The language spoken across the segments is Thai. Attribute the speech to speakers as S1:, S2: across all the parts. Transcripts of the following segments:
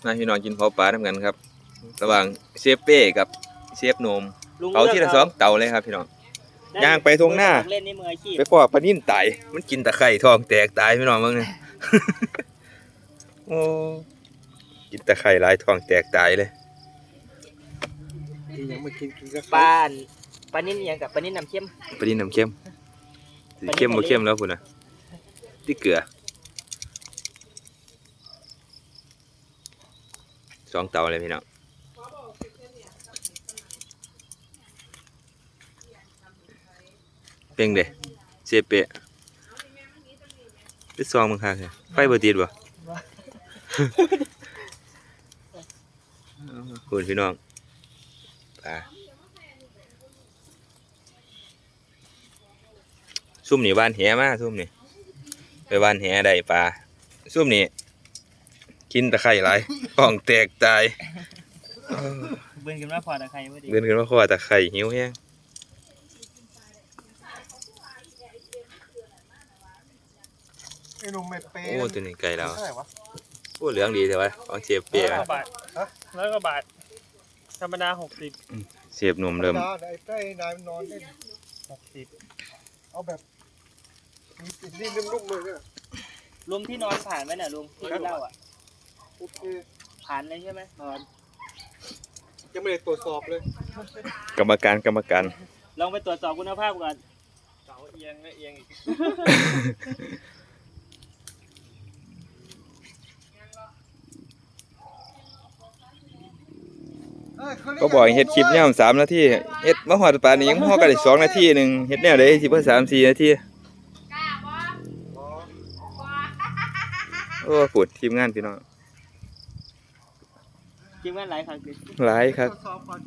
S1: มาพี่น้องกินเผาปลาทำกันครับระหว่างเชฟเป้กับเชฟโนมเผาที่ละ2 เตาเลยครับพี่น้องย่างไปทงหน้าไปพอปลานิ่นตายมันกินตะไคร่ท้องแตกตายพี่น้องมึงเนี่ย โอ้กินตะไคร่หลายท้องแตกตายเลย
S2: ยังไม่กินก็
S3: ปลานิ่นยังกับปลานิ่นน้ำเค็ม
S1: ปลานิ่นน้ำเค็มสิเข้มบ่เข้มแล้วพุ่นน่ะที่เกลือ2 เตาเลยพี่น้องเป่งเด้เชฟเป้ไปซองมึงคักไฟบ่ติดบ่ คุณพี่น้องปลาซุ่มนี่บ้านแหมาซุ่มนี่ไปบ้านแหได้ปลาซุ่มนี่กินตะไคร่หลายท้องแตกตาย
S3: เบิ่งกันว่าพอตะไคร้บ่ดี
S1: เดินขึ้นมาขอตะไคร่หิวแฮง
S2: ไอ้หนุ่มไม่เปย์
S1: โอ้ตัวนี้ไก่เรา
S2: เท่าไหร่วะ
S1: โอ้เหลืองดีแต่ว่าของเชฟเปีย
S3: 100 กว่าบาท100 กว่าบาทธรรมดา60
S1: เชฟหนุ่มเริ่ม
S2: ไอ้นายมันนอนเล่นเอาแบบมีติดนี่นุ่มๆเลยเนี่ย
S3: ลุงที่นอนผ่านไหมน่ะลุงที่เล่าอ่ะ
S2: โอเค
S3: ผ่านเลยใช่ไหม
S2: ยังไม่ได้ตรวจสอบเลย
S1: กรรมการ
S3: ลองไปตรวจสอบคุณภาพก่อนเสาเอียงเอียงอีก
S1: ก็บอกให้เฮ็ดคลิปเนี่ย3 นาทีเฮ็ดมาฮอดป่านนี้ยังฮอดกันได้2 นาทีหนึงเฮ็ดแนวใดสิบ่3-4 นาทีโอ้ปวดทีมงานพี่น้อง
S3: จริงว่าหลายครั้ง
S1: หลายครับ
S2: ตรวจสอบก่อน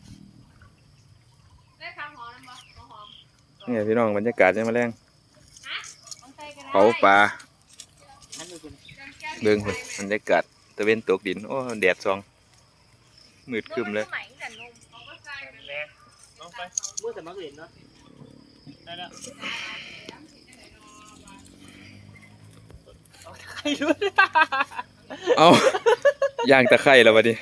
S4: ได้คำหอมนะบ่หอม
S1: เนี่ยพี่น้องบรรยากาศยามมื้อแลงเผาปลา
S3: อันนี้คุณ
S1: เบิ่งพุ่นบรรยากาศตะเวนตกดินโอ้แดดส่องมืดครึ้มเลย
S3: ลองไปมือสมัครเรียนเนาะได้แล้วใครรู้
S1: เอาย่างตะไคร่แล้วบัดนี้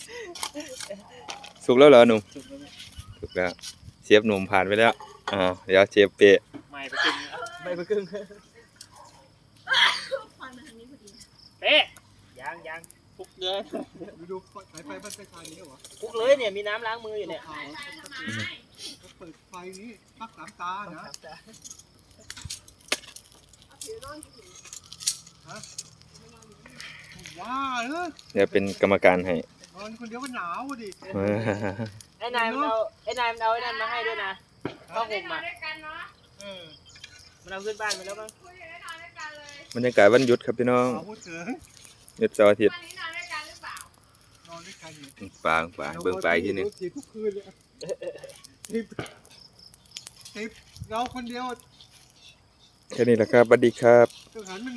S1: สุกแล้วเหรอหนุ่มสุกแล้วเชฟหนุ่มผ่านไปแล้วเดี๋ยวเชฟเปะ
S3: ไม่ไปครึ่งไม่ไปครึ่งเป๊ะยังพุกเลย
S2: ไปดูสายไฟบ้านไฟฟ้านี้เหรอ
S3: พุกเลยเนี่ยมีน้ำล้างมืออยู่เนี่ย
S2: เขาเปิดไฟนี้พัก3 ตานะว้าเออ
S1: เดี๋ยวเป็นกรรมการให้
S2: นอนคนเดียวก็หนาวดิ
S3: ไอ้นายมันเอาไอ้นั่นมาให้ด้วยนะผ้าห่มอ่ะมันเอาขึ้นบ้านไปแล้วมั้ง
S1: บรรยากาศวันหยุดครับพี่น้อง
S2: พูดถึง
S1: หยุดเสาร์อาทิตย์
S4: วันนี้นอนด้วยกันหรือเปล่าน
S2: อนด้วยกันอยู่
S1: ปางเบิ่งปลาอีกทีหนึง
S2: ถีบทุกคืนเลยถีบเราคนเดียว
S1: แค่นี้แหละครับสวัสดีครับ
S2: ต้องหันมัน